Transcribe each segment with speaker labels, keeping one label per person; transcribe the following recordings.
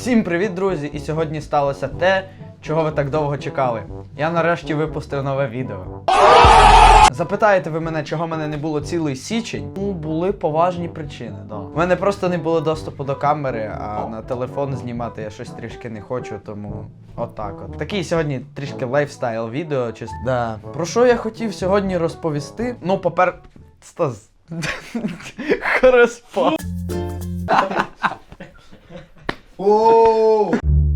Speaker 1: Всім привіт, друзі! І сьогодні сталося те, чого ви так довго чекали. Я нарешті випустив нове відео. Запитаєте ви мене, чого мене не було цілий січень? Ну, були поважні причини, да. У мене просто не було доступу до камери, а на телефон знімати я щось трішки не хочу, тому отак от. Такий сьогодні трішки лайфстайл відео, чисто. Да. Про що я хотів сьогодні розповісти? Ну, Стас. Хороспа.
Speaker 2: Ооо!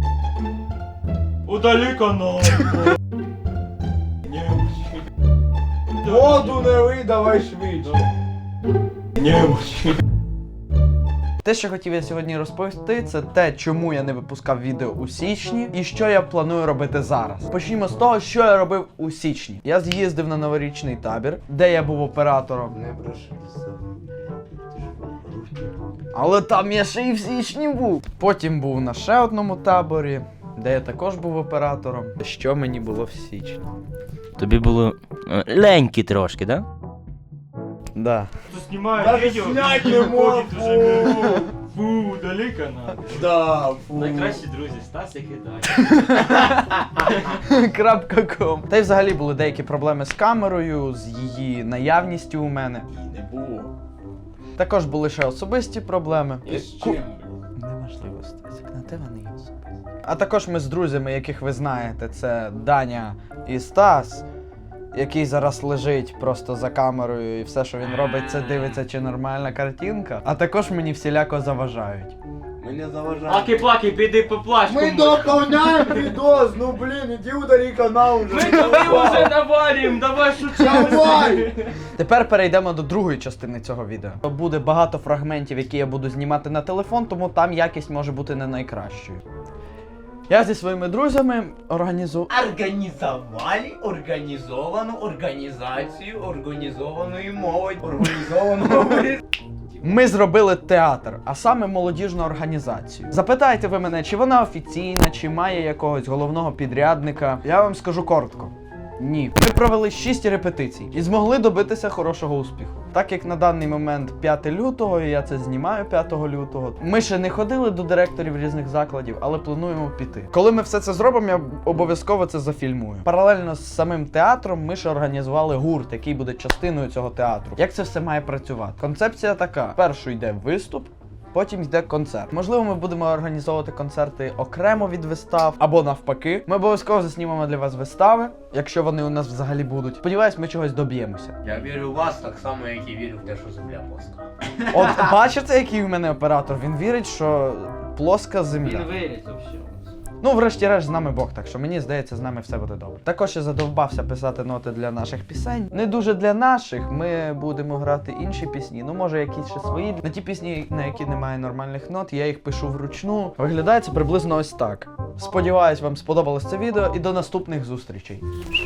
Speaker 3: Удали канал.
Speaker 2: Воду не лий, давай швидше.
Speaker 1: Те, що хотів я сьогодні розповісти, це те, чому я не випускав відео у січні і що я планую робити зараз. Почнімо з того, що я робив у січні. Я з'їздив на новорічний табір, де я був оператором.
Speaker 2: Не бреши за.
Speaker 1: Але там я ще і в січні був. Потім був на ще одному таборі, де я також був оператором. Що мені було в січні?
Speaker 4: Тобі було ленькі трошки, да?
Speaker 1: Да.
Speaker 3: Кто снимает
Speaker 2: Даже
Speaker 3: видео,
Speaker 2: снять
Speaker 3: и
Speaker 2: не
Speaker 3: выходит
Speaker 2: мог.
Speaker 3: уже мертвый. Фу, удали канал.
Speaker 2: Да, фу.
Speaker 5: Найкращі друзі, Стас і Кидай.
Speaker 1: .com. Та й взагалі були деякі проблеми з камерою, з її наявністю у мене.
Speaker 2: І не було.
Speaker 1: Також були ще особисті проблеми.
Speaker 2: І з чим?
Speaker 1: Неможливо, Стасик, на те вони є особисті. А також ми з друзями, яких ви знаєте, це Даня і Стас, який зараз лежить просто за камерою і все, що він робить, це дивиться, чи нормальна картинка. А також мені всіляко заважають.
Speaker 2: Ми не заважаємо.
Speaker 5: Аки-плаки, піди поплач.
Speaker 2: Ми доповняємо відос, ну блін, іди удали канал уже.
Speaker 5: Ми тобі вже навалим, давай шучай.
Speaker 2: Давай!
Speaker 1: Тепер перейдемо до другої частини цього відео. Буде багато фрагментів, які я буду знімати на телефон, тому там якість може бути не найкращою. Я зі своїми друзями
Speaker 6: Організували організовану організацію організованої молоді. Організованого.
Speaker 1: Ми зробили театр, а саме молодіжну організацію. Запитаєте ви мене, чи вона офіційна, чи має якогось головного підрядника? Я вам скажу коротко. Ні. Ми провели 6 репетицій і змогли добитися хорошого успіху. Так як на даний момент 5 лютого, і я це знімаю 5 лютого, ми ще не ходили до директорів різних закладів, але плануємо піти. Коли ми все це зробимо, я обов'язково це зафільмую. Паралельно з самим театром ми ще організували гурт, який буде частиною цього театру. Як це все має працювати? Концепція така: першу йде виступ, потім йде концерт. Можливо, ми будемо організовувати концерти окремо від вистав, або навпаки. Ми обов'язково заснімемо для вас вистави, якщо вони у нас взагалі будуть. Сподіваюсь, ми чогось доб'ємося.
Speaker 6: Я вірю в вас так само, як і вірю в те, що земля плоска.
Speaker 1: От бачите, який у мене оператор? Він вірить, що плоска земля.
Speaker 5: Він виріс взагалі.
Speaker 1: Ну, врешті-решт, з нами Бог, так що мені здається, з нами все буде добре. Також я задовбався писати ноти для наших пісень. Не дуже для наших, ми будемо грати інші пісні, ну може якісь ще свої. На ті пісні, на які немає нормальних нот, я їх пишу вручну. Виглядає це приблизно ось так. Сподіваюсь, вам сподобалось це відео і до наступних зустрічей.